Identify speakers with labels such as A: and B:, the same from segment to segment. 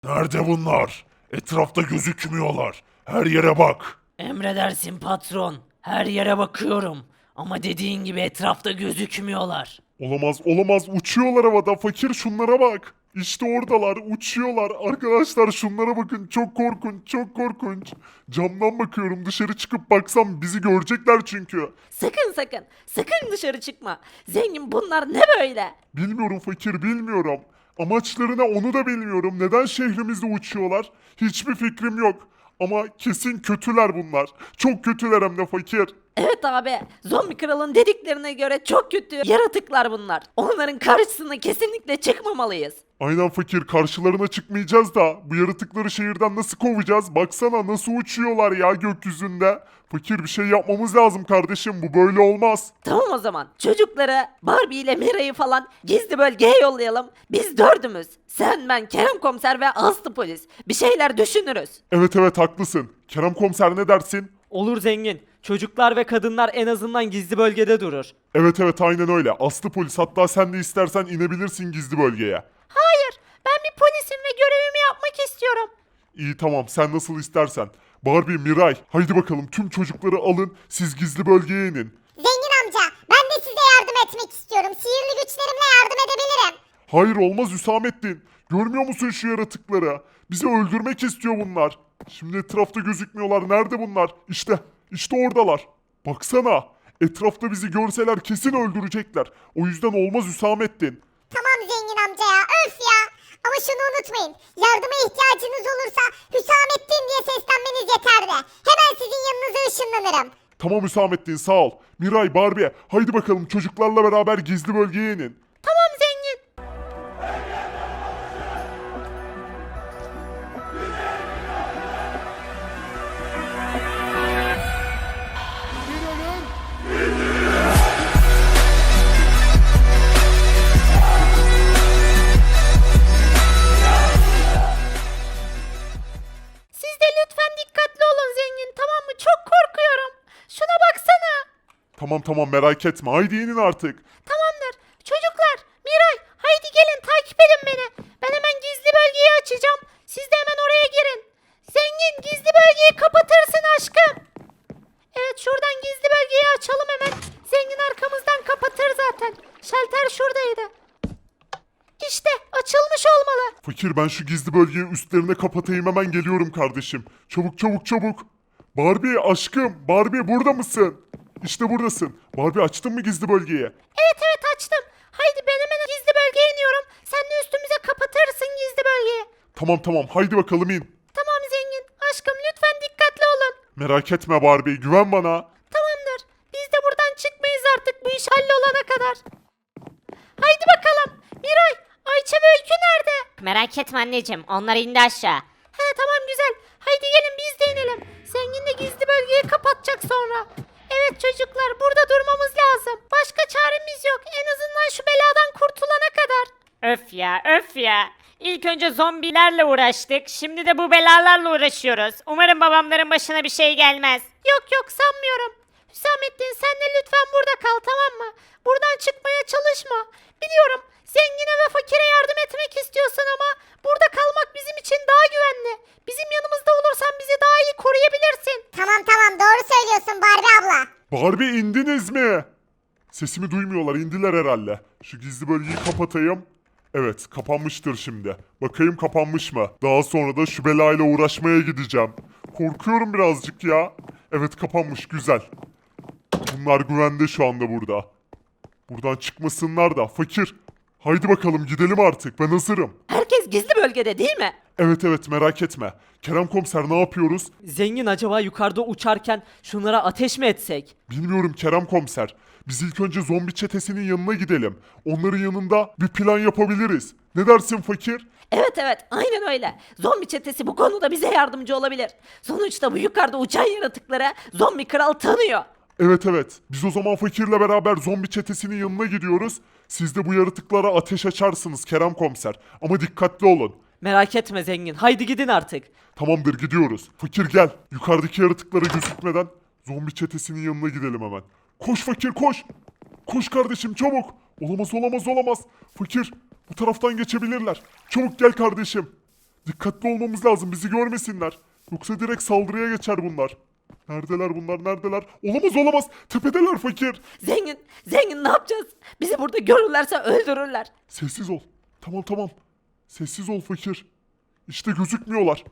A: Nerede bunlar? Etrafta gözükmüyorlar. Her yere bak.
B: Emredersin patron. Her yere bakıyorum. Ama dediğin gibi etrafta gözükmüyorlar.
A: Olamaz, olamaz. Uçuyorlar havada. Fakir şunlara bak. İşte oradalar, uçuyorlar. Arkadaşlar şunlara bakın. Çok korkunç, çok korkunç. Camdan bakıyorum. Dışarı çıkıp baksam bizi görecekler çünkü.
B: Sakın dışarı çıkma. Zengin bunlar ne böyle?
A: Bilmiyorum fakir, bilmiyorum. Amaçlarına onu da bilmiyorum. Neden şehrimizde uçuyorlar? Hiçbir fikrim yok. Ama kesin kötüler bunlar. Çok kötüler hem de fakir.
B: Evet abi, zombi kralın dediklerine göre çok kötü yaratıklar bunlar. Onların karşısına kesinlikle çıkmamalıyız.
A: Aynen fakir, karşılarına çıkmayacağız da bu yaratıkları şehirden nasıl kovacağız? Baksana nasıl uçuyorlar ya gökyüzünde. Fakir, bir şey yapmamız lazım kardeşim, bu böyle olmaz.
B: Tamam o zaman. Çocukları, Barbie ile Mira'yı falan gizli bölgeye yollayalım. Biz dördümüz. Sen, ben, Kerem komiser ve Aslı polis. Bir şeyler düşünürüz.
A: Evet evet haklısın. Kerem komiser ne dersin?
C: Olur zengin. Çocuklar ve kadınlar en azından gizli bölgede durur.
A: Evet evet aynen öyle. Aslı polis, hatta sen de istersen inebilirsin gizli bölgeye.
B: Hayır, ben bir polisim ve görevimi yapmak istiyorum.
A: İyi tamam, sen nasıl istersen. Barbie, Miray, haydi bakalım tüm çocukları alın, siz gizli bölgeye inin.
D: Zengin amca, ben de size yardım etmek istiyorum. Sihirli güçlerimle yardım edebilirim.
A: Hayır olmaz Hüsamettin. Görmüyor musun şu yaratıkları? Bizi öldürmek istiyor bunlar. Şimdi etrafta gözükmüyorlar. Nerede bunlar? İşte oradalar. Baksana. Etrafta bizi görseler kesin öldürecekler. O yüzden olmaz Hüsamettin.
D: Tamam zengin amca ya, öf ya. Ama şunu unutmayın, yardıma ihtiyacınız olursa Hüsamettin diye seslenmeniz yeterli. Hemen sizin yanınıza ışınlanırım.
A: Tamam Hüsamettin, sağ ol. Miray, Barbie, haydi bakalım çocuklarla beraber gizli bölgeye inin.
B: Tamam zengin. Siz de lütfen dikkatli olun zengin, tamam mı? Çok korkuyorum. Şuna baksana.
A: Tamam merak etme, haydi inin artık.
B: Tamamdır. Çocuklar, Miray, haydi gelin takip edin beni. Ben hemen gizli bölgeyi açacağım. Siz de hemen oraya girin. Zengin, gizli bölgeyi kapatırsın aşkım. Evet, şuradan gizli bölgeyi açalım hemen. Zengin arkamızdan kapatır zaten. Şalter şuradaydı. İşte açılmış olmalı.
A: Fakir, ben şu gizli bölgeyi üstlerine kapatayım, hemen geliyorum kardeşim. Çabuk çabuk çabuk. Barbie aşkım, Barbie burada mısın? İşte buradasın. Barbie, açtın mı gizli bölgeyi?
B: Evet açtım. Haydi ben hemen gizli bölgeye iniyorum. Sen de üstümüze kapatırsın gizli bölgeyi.
A: Tamam haydi bakalım in.
B: Tamam zengin. Aşkım lütfen dikkatli olun.
A: Merak etme Barbie, güven bana.
B: Tamamdır. Biz de buradan çıkmayız artık bu iş hallolana kadar. Haydi bakalım. Miray, Ayça ve Öykü nerede?
E: Merak etme anneciğim, onlar indi aşağı.
B: He tamam güzel. Haydi gelin biz de inelim. Zengin de gizli bölgeyi kapatacak sonra. Evet çocuklar, burada durmamız lazım. Başka çaremiz yok. En azından şu beladan kurtulana kadar.
E: Öf ya. İlk önce zombilerle uğraştık, şimdi de bu belalarla uğraşıyoruz. Umarım babamların başına bir şey gelmez.
B: Yok sanmıyorum. Hüsamettin sen de lütfen burada kal, tamam mı? Buradan çıkmaya çalışma. Biliyorum zengine ve fakire yardım etmek istiyorsun ama burada kalmak bizim için daha güvenli. Bizim yanımızda olursan bizi daha iyi koruyabilirsin.
D: Tamam doğru söylüyorsun Barbie abla.
A: Barbie, indiniz mi? Sesimi duymuyorlar, indiler herhalde. Şu gizli bölgeyi kapatayım. Evet, kapanmıştır şimdi. Bakayım kapanmış mı? Daha sonra da şu belayla uğraşmaya gideceğim. Korkuyorum birazcık ya. Evet, kapanmış, güzel. Bunlar güvende şu anda burada. Buradan çıkmasınlar da. Fakir, haydi bakalım gidelim artık, ben hazırım.
B: Herkes gizli bölgede değil mi?
A: Evet merak etme. Kerem komiser, ne yapıyoruz?
C: Zengin, acaba yukarıda uçarken şunlara ateş mi etsek?
A: Bilmiyorum Kerem komiser. Biz ilk önce zombi çetesinin yanına gidelim. Onların yanında bir plan yapabiliriz. Ne dersin fakir?
B: Evet aynen öyle. Zombi çetesi bu konuda bize yardımcı olabilir. Sonuçta bu yukarıda uçan yaratıkları zombi kral tanıyor.
A: Evet. Biz o zaman fakirle beraber zombi çetesinin yanına gidiyoruz. Siz de bu yaratıklara ateş açarsınız Kerem komiser. Ama dikkatli olun.
C: Merak etme zengin, haydi gidin artık.
A: Tamamdır, gidiyoruz. Fakir gel. Yukarıdaki yaratıklara gözükmeden zombi çetesinin yanına gidelim hemen. Koş fakir koş. Koş kardeşim çabuk. Olamaz. Fakir, bu taraftan geçebilirler. Çabuk gel kardeşim. Dikkatli olmamız lazım, bizi görmesinler. Yoksa direkt saldırıya geçer bunlar. Neredeler bunlar, neredeler? Olamaz olamaz, tepedeler fakir.
C: Zengin ne yapacağız? Bizi burada görürlerse öldürürler.
A: Sessiz ol. Tamam tamam. Sessiz ol fakir. İşte gözükmüyorlar.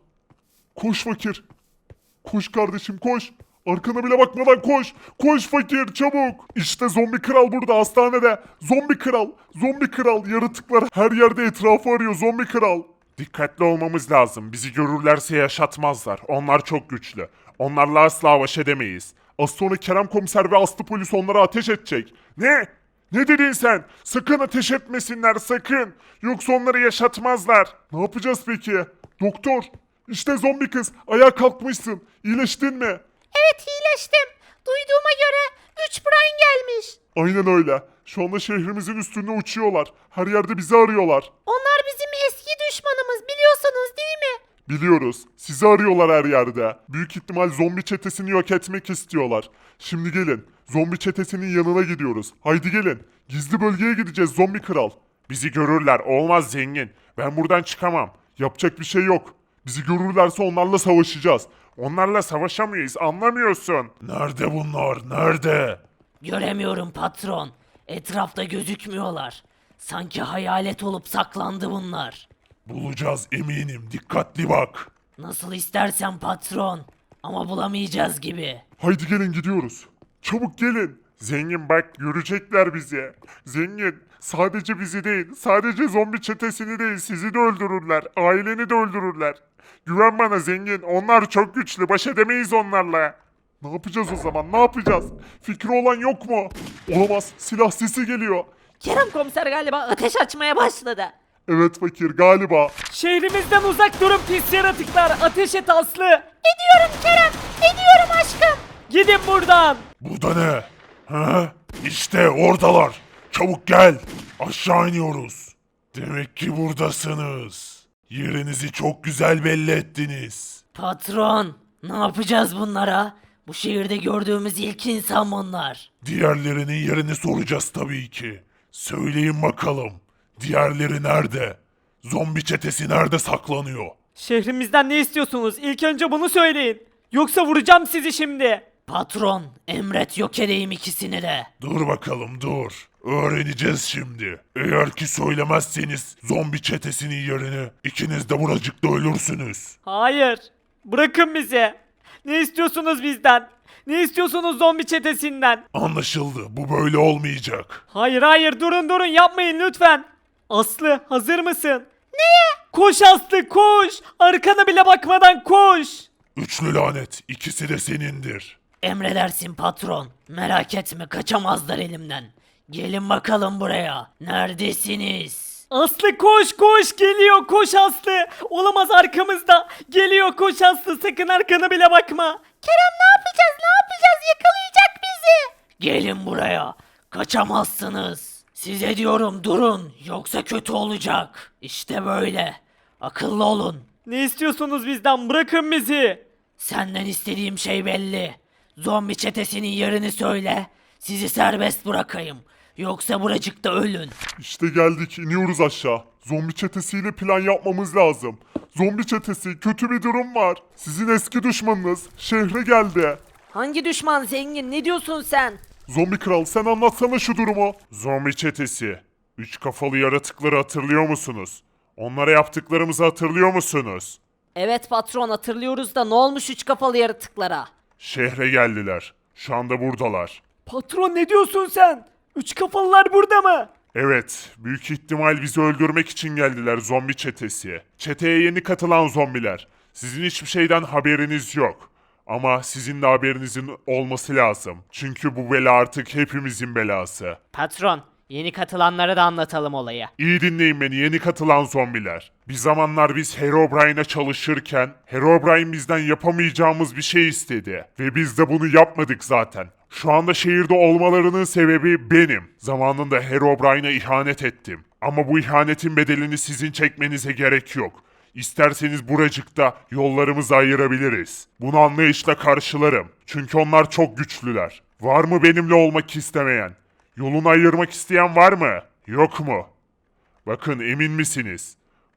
A: Koş fakir. Koş kardeşim koş. Arkana bile bakmadan koş. Koş fakir çabuk. İşte zombi kral burada hastanede. Zombi kral. Zombi kral. Yaratıklar her yerde etrafı arıyor zombi kral. Dikkatli olmamız lazım. Bizi görürlerse yaşatmazlar. Onlar çok güçlü. Onlarla asla baş edemeyiz. Az sonra Kerem komiser ve Aslı polis onlara ateş edecek. Ne? Ne dedin sen? Sakın ateş etmesinler sakın. Yoksa onları yaşatmazlar. Ne yapacağız peki? Doktor. İşte zombi kız. Ayağa kalkmışsın. İyileştin mi?
B: Evet iyileştim. Duyduğuma göre 3 Brian gelmiş.
A: Aynen öyle. Şu anda şehrimizin üstünde uçuyorlar. Her yerde bizi arıyorlar.
B: Onlar bizim eski düşmanımız biliyorsunuz değil mi?
A: Biliyoruz. Sizi arıyorlar her yerde. Büyük ihtimal zombi çetesini yok etmek istiyorlar. Şimdi gelin. Zombi çetesinin yanına gidiyoruz. Haydi gelin. Gizli bölgeye gideceğiz zombi kral. Bizi görürler. Olmaz zengin. Ben buradan çıkamam. Yapacak bir şey yok. Bizi görürlerse onlarla savaşacağız. Onlarla savaşamayız. Anlamıyorsun. Nerede bunlar? Nerede?
C: Göremiyorum patron. Etrafta gözükmüyorlar. Sanki hayalet olup saklandı bunlar.
A: Bulacağız eminim. Dikkatli bak.
C: Nasıl istersen patron. Ama bulamayacağız gibi.
A: Haydi gelin gidiyoruz. Çabuk gelin. Zengin bak görecekler bizi. Zengin sadece bizi değil, sadece zombi çetesini değil sizi de öldürürler. Aileni de öldürürler. Güven bana zengin. Onlar çok güçlü. Baş edemeyiz onlarla. Ne yapacağız o zaman? Ne yapacağız? Fikri olan yok mu? Olamaz. Silah sesi geliyor.
C: Kerem komiser galiba ateş açmaya başladı.
A: Evet fakir galiba.
C: Şehrimizden uzak durun pis yaratıklar. Ateş et Aslı.
B: Ediyorum Kerem. Ediyorum aşkım.
C: Gidin buradan.
A: Bu da ne? Ha? İşte oradalar. Çabuk gel. Aşağı iniyoruz. Demek ki buradasınız. Yerinizi çok güzel belli ettiniz.
C: Patron, ne yapacağız bunlara? Bu şehirde gördüğümüz ilk insan bunlar.
A: Diğerlerinin yerini soracağız tabii ki. Söyleyin bakalım. Diğerleri nerede? Zombi çetesi nerede saklanıyor?
C: Şehrimizden ne istiyorsunuz? İlk önce bunu söyleyin. Yoksa vuracağım sizi şimdi. Patron, emret yok edeyim ikisini de.
A: Dur bakalım dur. Öğreneceğiz şimdi. Eğer ki söylemezseniz zombi çetesinin yerini ikiniz de buracıkta ölürsünüz.
C: Hayır. Bırakın bizi. Ne istiyorsunuz bizden? Ne istiyorsunuz zombi çetesinden?
A: Anlaşıldı. Bu böyle olmayacak.
C: Hayır durun yapmayın lütfen. Aslı hazır mısın? Neye? Koş Aslı koş. Arkana bile bakmadan koş.
A: Üçlü lanet. İkisi de senindir.
C: Emredersin patron. Merak etme kaçamazlar elimden. Gelin bakalım buraya. Neredesiniz? Aslı koş geliyor koş Aslı. Olamaz arkamızda. Geliyor koş Aslı sakın arkana bile bakma.
B: Kerem ne yapacağız yakalayacak bizi.
C: Gelin buraya. Kaçamazsınız. Size diyorum durun yoksa kötü olacak. İşte böyle. Akıllı olun. Ne istiyorsunuz bizden? Bırakın bizi. Senden istediğim şey belli. Zombi çetesinin yerini söyle. Sizi serbest bırakayım. Yoksa buracıkta ölün.
A: İşte geldik. İniyoruz aşağı. Zombi çetesiyle plan yapmamız lazım. Zombi çetesi kötü bir durum var. Sizin eski düşmanınız şehre geldi.
C: Hangi düşman zengin? Ne diyorsun sen?
A: Zombi kral sen anlatsana şu durumu. Zombi çetesi. Üç kafalı yaratıkları hatırlıyor musunuz? Onlara yaptıklarımızı hatırlıyor musunuz?
C: Evet patron hatırlıyoruz da ne olmuş üç kafalı yaratıklara?
A: Şehre geldiler. Şu anda buradalar.
C: Patron ne diyorsun sen? Üç kafalılar burada mı?
A: Evet, büyük ihtimal bizi öldürmek için geldiler zombi çetesi. Çeteye yeni katılan zombiler. Sizin hiçbir şeyden haberiniz yok. Ama sizin de haberinizin olması lazım. Çünkü bu bela artık hepimizin belası.
E: Patron, yeni katılanlara da anlatalım olayı.
A: İyi dinleyin beni yeni katılan zombiler. Bir zamanlar biz Herobrine'e çalışırken Herobrine bizden yapamayacağımız bir şey istedi. Ve biz de bunu yapmadık zaten. Şu anda şehirde olmalarının sebebi benim. Zamanında Herobrine'a ihanet ettim. Ama bu ihanetin bedelini sizin çekmenize gerek yok. İsterseniz buracıkta yollarımızı ayırabiliriz. Bunu anlayışla karşılarım. Çünkü onlar çok güçlüler. Var mı benimle olmak istemeyen? Yolunu ayırmak isteyen var mı? Yok mu? Bakın emin misiniz?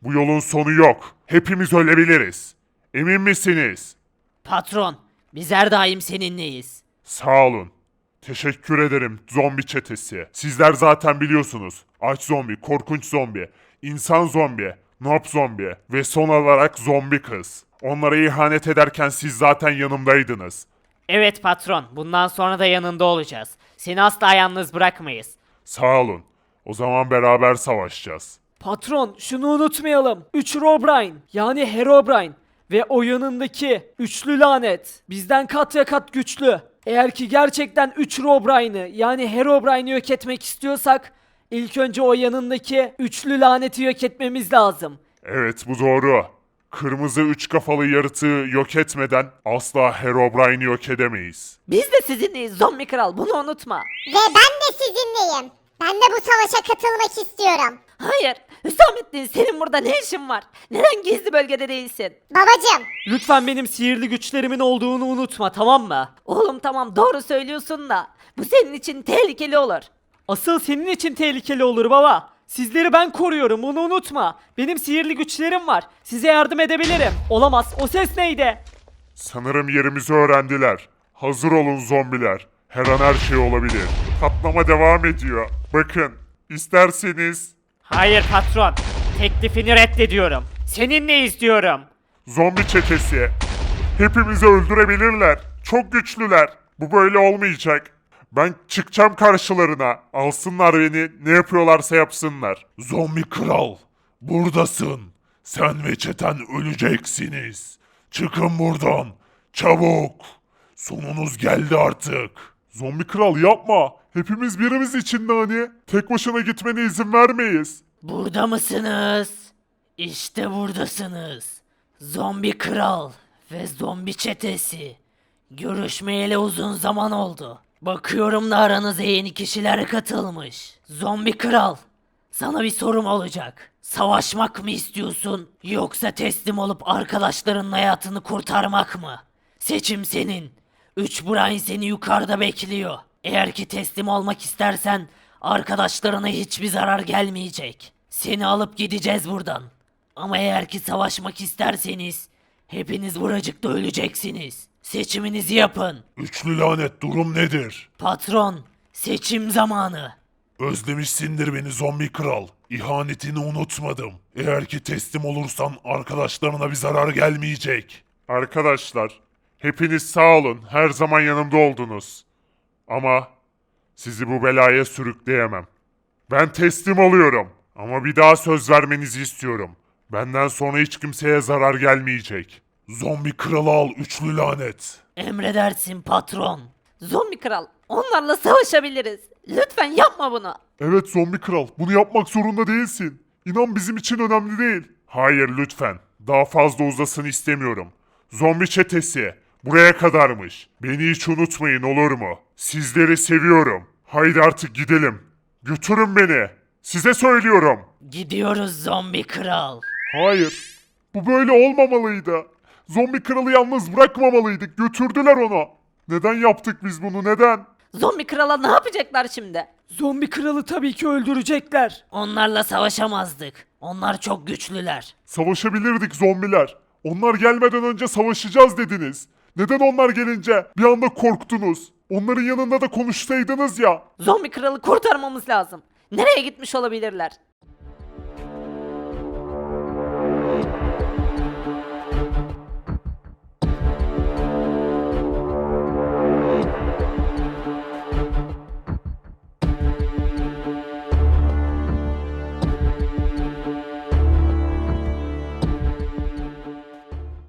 A: Bu yolun sonu yok. Hepimiz ölebiliriz. Emin misiniz?
C: Patron, biz her daim seninleyiz.
A: Sağ olun. Teşekkür ederim zombi çetesi. Sizler zaten biliyorsunuz. Aç zombi, korkunç zombi, insan zombi, noob zombi ve son olarak zombi kız. Onlara ihanet ederken siz zaten yanımdaydınız.
E: Evet patron, bundan sonra da yanında olacağız. Seni asla yalnız bırakmayız.
A: Sağ olun. O zaman beraber savaşacağız.
C: Patron, şunu unutmayalım. 3 Herobrine, yani Herobrine ve o yanındaki üçlü lanet bizden kat ve kat güçlü. Eğer ki gerçekten 3 Herobrine'ı yani Herobrine'i yok etmek istiyorsak ilk önce o yanındaki üçlü laneti yok etmemiz lazım.
A: Evet bu doğru. Kırmızı üç kafalı yaratığı yok etmeden asla Herobrine'i yok edemeyiz.
C: Biz de sizinleyiz zombi kral, bunu unutma.
D: Ve ben de sizinleyim. Ben de bu savaşa katılmak istiyorum.
C: Hayır, Hüsamettin senin burada ne işin var? Neden gizli bölgede değilsin?
D: Babacım,
C: Lütfen benim sihirli güçlerimin olduğunu unutma, tamam mı? Oğlum tamam, doğru söylüyorsun da bu senin için tehlikeli olur. Asıl senin için tehlikeli olur baba. Sizleri ben koruyorum, bunu unutma. Benim sihirli güçlerim var. Size yardım edebilirim. Olamaz, o ses neydi?
A: Sanırım yerimizi öğrendiler. Hazır olun zombiler. Her an her şey olabilir. Patlama devam ediyor. Bakın, isterseniz
E: Hayır patron, teklifini reddediyorum. Seninle istiyorum.
A: zombi çetesi. Hepimizi öldürebilirler. Çok güçlüler. Bu böyle olmayacak. Ben çıkacağım karşılarına. Alsınlar beni. Ne yapıyorlarsa yapsınlar. Zombi kral. Buradasın. Sen ve çeten öleceksiniz. Çıkın buradan. Çabuk. Sonunuz geldi artık. Zombi kral yapma. Hepimiz birimiz içinde hani. Tek başına gitmene izin vermeyiz.
C: Burada mısınız? İşte buradasınız. Zombi kral ve zombi çetesi. Görüşmeyeli uzun zaman oldu. Bakıyorum da aranıza yeni kişiler katılmış. Zombi kral, sana bir sorum olacak. Savaşmak mı istiyorsun yoksa teslim olup arkadaşlarının hayatını kurtarmak mı? Seçim senin. 3 Brian seni yukarıda bekliyor. Eğer ki teslim olmak istersen arkadaşlarına hiçbir zarar gelmeyecek. Seni alıp gideceğiz buradan. Ama eğer ki savaşmak isterseniz hepiniz buracıkta öleceksiniz. Seçiminizi yapın.
A: Üçlü lanet durum nedir?
C: Patron, seçim zamanı.
A: Özlemişsindir beni zombi kral. İhanetini unutmadım. Eğer ki teslim olursan arkadaşlarına bir zarar gelmeyecek. Arkadaşlar, hepiniz sağ olun. Her zaman yanımda oldunuz. Ama sizi bu belaya sürükleyemem. Ben teslim oluyorum. Ama bir daha söz vermenizi istiyorum. Benden sonra hiç kimseye zarar gelmeyecek. Zombi kralı al üçlü lanet.
C: Emredersin patron. Zombi kral, onlarla savaşabiliriz. Lütfen yapma bunu.
A: Evet zombi kral, bunu yapmak zorunda değilsin. İnan bizim için önemli değil. Hayır lütfen. Daha fazla uzasın istemiyorum. Zombi çetesi, buraya kadarmış. Beni hiç unutmayın olur mu? Sizleri seviyorum. Haydi artık gidelim. Götürün beni. Size söylüyorum.
C: Gidiyoruz zombi kral.
A: Hayır. Bu böyle olmamalıydı. Zombi kralı yalnız bırakmamalıydık. Götürdüler onu. Neden yaptık biz bunu? Neden?
C: Zombi krala ne yapacaklar şimdi? Zombi kralı tabii ki öldürecekler. Onlarla savaşamazdık. Onlar çok güçlüler.
A: Savaşabilirdik zombiler. Onlar gelmeden önce savaşacağız dediniz. Neden onlar gelince bir anda korktunuz? Onların yanında da konuşsaydınız ya.
C: Zombi kralı kurtarmamız lazım. Nereye gitmiş olabilirler?